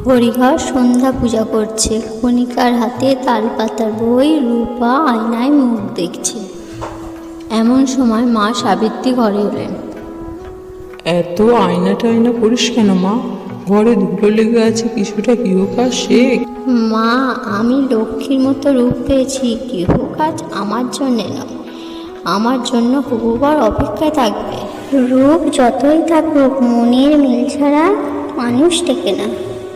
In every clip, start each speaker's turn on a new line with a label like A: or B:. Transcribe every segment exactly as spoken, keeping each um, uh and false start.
A: হরিহর সন্ধ্যা পূজা করছে। কণিকার হাতে তালপাতার বই, রূপা আয়নায় মুখ দেখছে। এমন সময় মা সাবিত্রী ঘরে এলেন।
B: এত আয়না টায়না করিস কেন মা? ঘরে ধুলো লেগে আছে, কিছুটা গৃহকাজ শেখ।
A: মা, আমি লক্ষ্মীর মতো রূপ পেয়েছি, গৃহকাজ আমার জন্যে নয়, আমার জন্য হবুবার অপেক্ষায় থাকবে। রূপ যতই থাকুক, মনের মিল ছাড়া মানুষ টেকে না।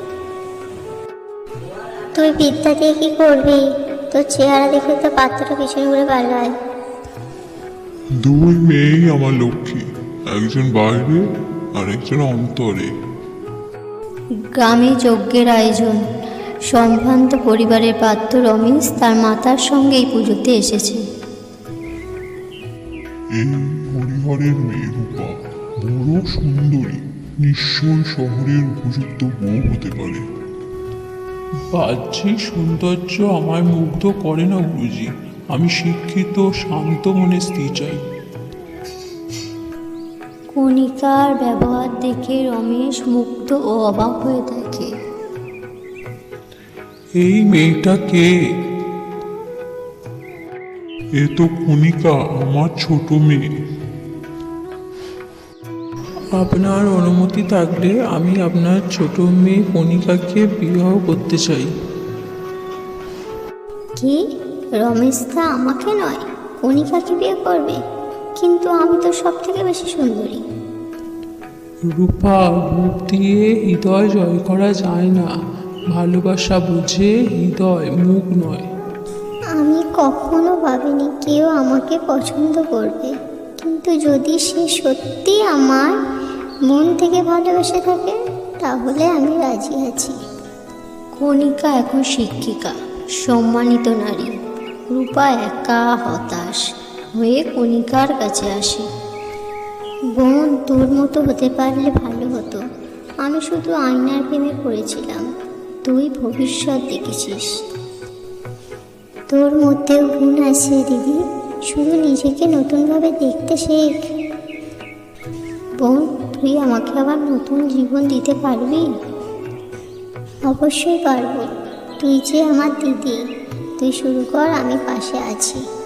C: তুই বিদ্যা দিয়ে কি করবি? তোর চেহারা দেখে তো পাত্রটা পিছনে ঘুরে পালায়।
D: দুই মেয়েই আমার লক্ষ্মী, একজন বাইরে আর একজন অন্তরে।
A: গ্রামে যজ্ঞের আয়োজন। সম্ভ্রান্ত পরিবারের পাত্র রমেশ তার মাতার সঙ্গে এই পুজোতে এসেছে।
D: এই হরিহরের মেয়ে রূপা বড় সুন্দরী, নিশ্চয় শহরের উপযুক্ত বউ হতে পারে।
E: বাহ্যিক সৌন্দর্য আমায় মুগ্ধ করে না গুরুজি। আমি শিক্ষিত, শান্ত মনের স্ত্রী চাই।
A: কণিকার ব্যবহার দেখে রমেশ মুগ্ধ ও অবাক হয়ে থাকে।
E: এই মেয়েটা কে?
D: এ তো কণিকা, আমার ছোট মেয়ে।
E: আপনার অনুমতি থাকলে আমি আপনার ছোট মেয়ে কণিকাকে বিবাহ করতে চাই।
C: কি? রমেশ দা আমাকে নয়, কণিকাকে বিয়ে করবে? কিন্তু আমি তো সব থেকে বেশি সুন্দরী।
E: রূপা, রূপ দিয়ে হৃদয় জয় করা যায় না। ভালোবাসা বুঝে হৃদয়, মুখ নয়।
C: আমি কখনো ভাবিনি কেউ আমাকে পছন্দ করবে, কিন্তু যদি সে সত্যি আমার মন থেকে ভালোবেসে থাকে, তাহলে আমি রাজি আছি।
A: কণিকা এখন শিক্ষিকা, সম্মানিত নারী। রূপা একা হতাশ হয়ে কণিকার কাছে আসে।
C: বোন, তোর মতো হতে পারলে ভালো হতো। আমি শুধু আয়নার প্রেমে পড়েছিলাম, তুই ভবিষ্যৎ দেখেছিস। তোর মধ্যেও গুণ আছে দিদি, শুধু নিজেকে নতুনভাবে দেখতে শেখ। বোন, তুই আমাকে আবার নতুন জীবন দিতে পারবি? অবশ্যই পারবো। তুই যে আমার দিদি, তুই শুরু কর, আমি পাশে আছি।